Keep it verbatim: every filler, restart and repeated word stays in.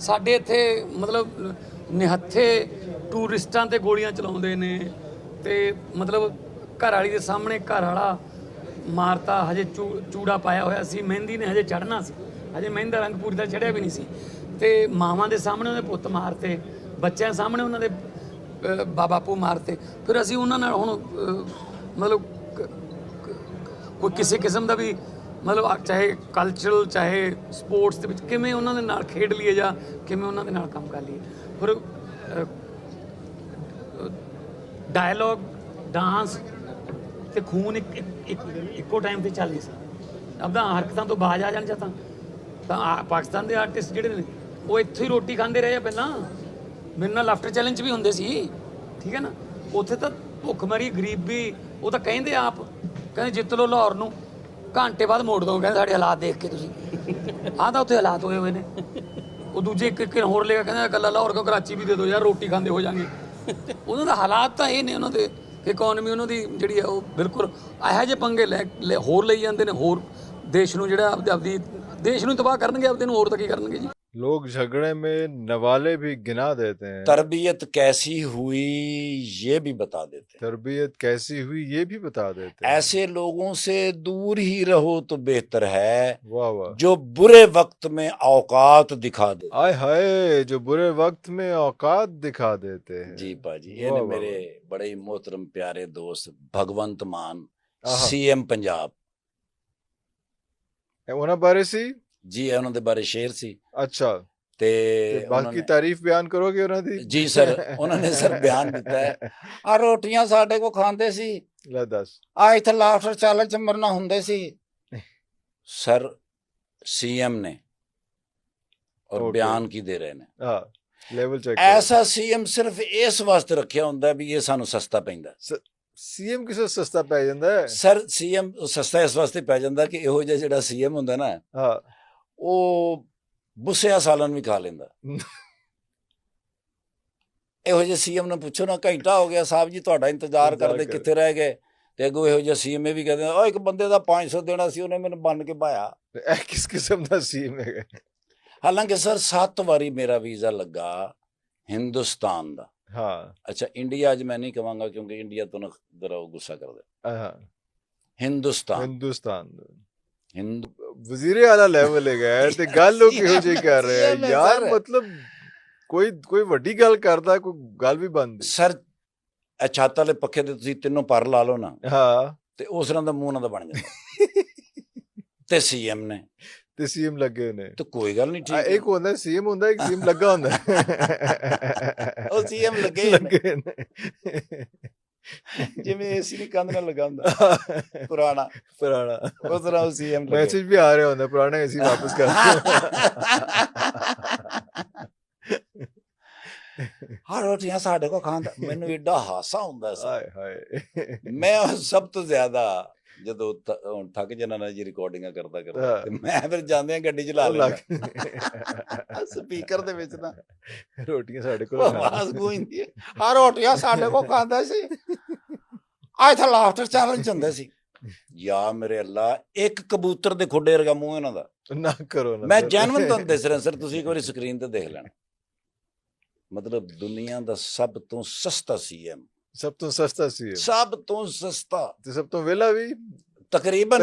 ਸਾਡੇ ਇੱਥੇ ਮਤਲਬ ਨਿਹੱਥੇ ਟੂਰਿਸਟਾਂ ਤੇ ਗੋਲੀਆਂ ਚਲਾਉਂਦੇ ਨੇ ਤੇ ਮਤਲਬ ਘਰ ਵਾਲੀ ਦੇ ਸਾਹਮਣੇ ਘਰ ਵਾਲਾ ਮਾਰਤਾ। ਹਜੇ ਚੂ ਚੂੜਾ ਪਾਇਆ ਹੋਇਆ ਸੀ, ਮਹਿੰਦੀ ਨੇ ਹਜੇ ਚੜ੍ਹਨਾ ਸੀ, ਹਜੇ ਮਹਿੰਦੀ ਦਾ ਰੰਗ ਪੂਰੀ ਦਾ ਚੜ੍ਹਿਆ ਵੀ ਨਹੀਂ ਸੀ ਤੇ ਮਾਵਾਂ ਦੇ ਸਾਹਮਣੇ ਉਹਦੇ ਪੁੱਤ ਮਾਰਤੇ, ਬੱਚਿਆਂ ਸਾਹਮਣੇ ਉਹਨਾਂ ਦੇ ਬਾਪੂ ਮਾਰਤੇ। ਫਿਰ ਅਸੀਂ ਉਹਨਾਂ ਨਾਲ ਹੁਣ ਮਤਲਬ ਕੋਈ ਕਿਸੇ ਕਿਸਮ ਦਾ ਵੀ ਮਤਲਬ ਚਾਹੇ ਕਲਚਰਲ ਚਾਹੇ ਸਪੋਰਟਸ ਦੇ ਵਿੱਚ ਕਿਵੇਂ ਉਹਨਾਂ ਦੇ ਨਾਲ ਖੇਡ ਲਈਏ ਜਾਂ ਕਿਵੇਂ ਉਹਨਾਂ ਦੇ ਨਾਲ ਕੰਮ ਕਰ ਲਈਏ। ਫਿਰ ਡਾਇਲੋਗ ਡਾਂਸ ਤੇ ਖੂਨ ਇੱਕ ਇੱਕੋ ਟਾਈਮ ਤੇ ਚੱਲ ਨਹੀਂ ਸਕਦਾ। ਆਪਦਾ ਹਰਕਤਾਂ ਤੋਂ ਬਾਜ ਆ ਜਾਣ ਜਾਂ ਤਾਂ ਤਾਂ ਪਾਕਿਸਤਾਨ ਦੇ ਆਰਟਿਸਟ ਜਿਹੜੇ ਨੇ ਉਹ ਇੱਥੇ ਹੀ ਰੋਟੀ ਖਾਂਦੇ ਰਹੇ ਆ। ਪਹਿਲਾਂ ਮੇਰੇ ਨਾਲ ਲਾਫਟਰ ਚੈਲੰਜ ਵੀ ਹੁੰਦੇ ਸੀ, ਠੀਕ ਹੈ ਨਾ। ਉੱਥੇ ਤਾਂ ਭੁੱਖਮਰੀ ਗਰੀਬੀ, ਉਹ ਤਾਂ ਕਹਿੰਦੇ ਆਪ ਕਹਿੰਦੇ ਜਿੱਤ ਲਓ ਲਾਹੌਰ ਨੂੰ, ਘੰਟੇ ਬਾਅਦ ਮੋੜ ਦੋ, ਕਹਿੰਦੇ ਸਾਡੇ ਹਾਲਾਤ ਦੇਖ ਕੇ ਤੁਸੀਂ। ਆਹ ਤਾਂ ਉੱਥੇ ਹਾਲਾਤ ਹੋਏ ਹੋਏ ਨੇ। ਉਹ ਦੂਜੇ ਇੱਕ ਇੱਕ ਹੋਰ ਲੈ ਕੇ ਕਹਿੰਦੇ ਇਕੱਲਾ ਲਾਹੌਰ ਕੋ ਕਰਾਚੀ ਵੀ ਦੇ ਦਿਓ ਯਾਰ, ਰੋਟੀ ਖਾਂਦੇ ਹੋ ਜਾਣਗੇ। ਉਹਨਾਂ ਦਾ ਹਾਲਾਤ ਤਾਂ ਇਹ ਨੇ, ਉਹਨਾਂ ਦੇ ਇਕੋਨਮੀ ਉਹਨਾਂ ਦੀ ਜਿਹੜੀ ਆ ਉਹ ਬਿਲਕੁਲ ਇਹੋ ਜਿਹੇ ਪੰਗੇ ਲੈ ਹੋਰ ਲਈ ਜਾਂਦੇ ਨੇ। ਹੋਰ ਦੇਸ਼ ਨੂੰ ਜਿਹੜਾ ਆਪਦੇ ਆਪਦੀ देश ਨੂੰ तबाह करनगे, अपने और तो की करनगे जी। लोग झगड़े में नवाले भी गिना देते हैं। तरबियत कैसी हुई ये भी बता देते हैं। तरबियत कैसी हुई ये भी बता देते हैं। ऐसे लोगों से दूर ही रहो तो बेहतर है। वाह वाह। जो बुरे वक्त में औकात दिखा दे। आय हाय, जो बुरे वक्त में औकात दिखा देते हैं। जी पाजी, ये ने मेरे बड़े ही मोहतरम प्यारे दोस्त भगवंत मान सीएम पंजाब ਉਹਨਾਂ ਬਾਰੇ ਸੀ ਜੀ, ਉਹਨਾਂ ਦੇ ਬਾਰੇ ਸ਼ੇਰ ਸੀ। ਅੱਛਾ, ਤੇ ਬਾਕੀ ਤਾਰੀਫ ਬਿਆਨ ਕਰੋਗੇ ਉਹਨਾਂ ਦੀ? ਜੀ ਸਰ, ਉਹਨਾਂ ਨੇ ਸਰ ਬਿਆਨ ਦਿੱਤਾ ਹੈ। ਆ ਰੋਟੀਆਂ ਸਾਡੇ ਕੋ ਖਾਂਦੇ ਸੀ, ਲੈ ਦੱਸ। ਆ ਇੱਥੇ ਲਾਫਟਰ ਚੈਲੰਜ ਚ ਮਰਨਾ ਹੁੰਦੇ ਸੀ। ਸਰ सीएम ने और बयान की दे रहे ने। हाँ, लेवल चेक। ऐसा सीएम सिर्फ इस वास्ते रखिया हुंदा भी ये सानू सस्ता पैंदा। सीएम किसे सस्ता पै जांदा है? सर सीएम सस्ता इस वास्ते पै जांदा कि इहो जिहा जिहड़ा सीएम हुंदा ना, हाँ, ਉਹ ਬੁੱਸਿਆ ਸਾਲਨ ਵੀ ਖਾ ਲੈਂਦਾ। ਇਹੋ ਜਿਹੇ ਸੀਐਮ ਨੂੰ ਪੁੱਛੋ ਨਾ, ਘੰਟਾ ਹੋ ਗਿਆ ਸਾਹਿਬ ਜੀ ਤੁਹਾਡਾ ਇੰਤਜ਼ਾਰ ਕਰਦੇ, ਕਿੱਥੇ ਰਹਿ ਗਏ? ਤੇ ਅੱਗੋਂ ਇਹੋ ਜਿਹਾ ਸੀਐਮ ਇਹ ਵੀ ਕਹਿੰਦੇ ਉਹ ਇੱਕ ਬੰਦੇ ਦਾ ਪੰਜ ਸੌ ਦੇਣਾ ਸੀ, ਉਹਨੇ ਮੈਨੂੰ ਬੰਨ ਕੇ ਪਾਇਆ। ਇਹ ਕਿਸ ਕਿਸਮ ਦਾ ਸੀਐਮ ਹੈ? ਹਾਲਾਂਕਿ ਸਰ ਸੱਤ ਵਾਰੀ ਮੇਰਾ ਵੀਜ਼ਾ ਲੱਗਾ ਹਿੰਦੁਸਤਾਨ ਦਾ। हाँ, अच्छा इंडिया आज मैं नहीं कहूँगा क्योंकि इंडिया तो ना जरा गुस्सा कर दे। हाँ, हिंदुस्तान हिंदुस्तान हिंदू वजीरे आला लेवल है गए ते गल लोग किहो जी कर रहे हैं यार। मतलब कोई कोई वड्डी गल करदा, कोई गल भी बंद। सर छत वाले पखे ते तुसीं तीनों पर ला लो ना, हाँ, ते उस तरह दा मुंह ना दा बन जांदा। ते सीएम ने ਤੇ ਸੀਐਮ ਲੱਗੇ ਨੇ ਤੇ ਕੋਈ ਗੱਲ ਨਹੀਂ, ਠੀਕ ਇੱਕ ਹੁੰਦਾ ਸੀਐਮ ਹੁੰਦਾ, ਇੱਕ ਸੀਐਮ ਲੱਗਾ ਹੁੰਦਾ। ਉਹ ਸੀਐਮ ਲੱਗੇ ਲੱਗੇ ਨੇ, ਜਿਵੇਂ ਏਸੀ ਦੀ ਕੰਧ ਨਾਲ ਲਗਾ ਹੁੰਦਾ ਪੁਰਾਣਾ ਪੁਰਾਣਾ, ਉਸ ਤਰ੍ਹਾਂ ਉਹ ਸੀਐਮ ਲੱਗੇ। ਮੈਸੇਜ ਵੀ ਆ ਰਿਹਾ ਹੁੰਦਾ ਪੁਰਾਣਾ ਏਸੀ ਵਾਪਸ ਕਰ। ਹਾਂ ਰੋਟੀਆਂ ਸਾਡੇ ਕੋ ਖਾਂਦਾ, ਮੈਨੂੰ ਏਡਾ ਹਾਸਾ ਹੁੰਦਾ ਸੀ। ਹਾਏ ਹਾਏ। ਮੈਂ ਸਭ ਤੋਂ ਜ਼ਿਆਦਾ ਜਦੋਂ ਹੁਣ ਥੱਕ ਜਾਣਾ ਨਾ ਜੀ ਰਿਕਾਰਡਿੰਗਾਂ ਕਰਦਾ ਕਰਦਾ, ਤੇ ਮੈਂ ਫਿਰ ਜਾਂਦੇ ਆ ਗੱਡੀ ਚਲਾ ਲੈਂਦਾ ਸਪੀਕਰ ਦੇ ਵਿੱਚ ਨਾ ਰੋਟੀਆਂ ਸਾਡੇ ਕੋਲ ਆਵਾਜ਼ ਗੂੰਜਦੀ ਹੈ, ਆ ਰੋਟੀਆਂ ਸਾਡੇ ਕੋ ਖਾਂਦਾ ਸੀ। ਆ ਇੱਥੇ ਲਾਫਟਰ ਚੈਲੰਜ ਹੁੰਦਾ ਸੀ। ਯਾ ਮੇਰੇ ਅੱਲਾ, ਇੱਕ ਕਬੂਤਰ ਦੇ ਖੁੱਡੇ ਵਰਗਾ ਮੂੰਹ ਇਹਨਾਂ ਦਾ। ਨਾ ਕਰੋ ਨਾ, ਮੈਂ ਜੈਨੂਇਨ ਤੁਹਾਨੂੰ ਦੱਸ ਰਿਹਾ ਸਰ, ਤੁਸੀਂ ਇੱਕ ਵਾਰੀ ਸਕਰੀਨ ਤੇ ਦੇਖ ਲੈਣਾ। ਮਤਲਬ ਦੁਨੀਆ ਦਾ ਸਭ ਤੋਂ ਸਸਤਾ ਸੀਐਮ, ਸਭ ਤੋਂ ਸਸਤਾ ਸੀ, ਸਭ ਤੋਂ ਸਸਤਾ ਤੇ ਸਭ ਤੋਂ ਵਿਹਲਾ ਵੀ ਤਕਰੀਬਨ।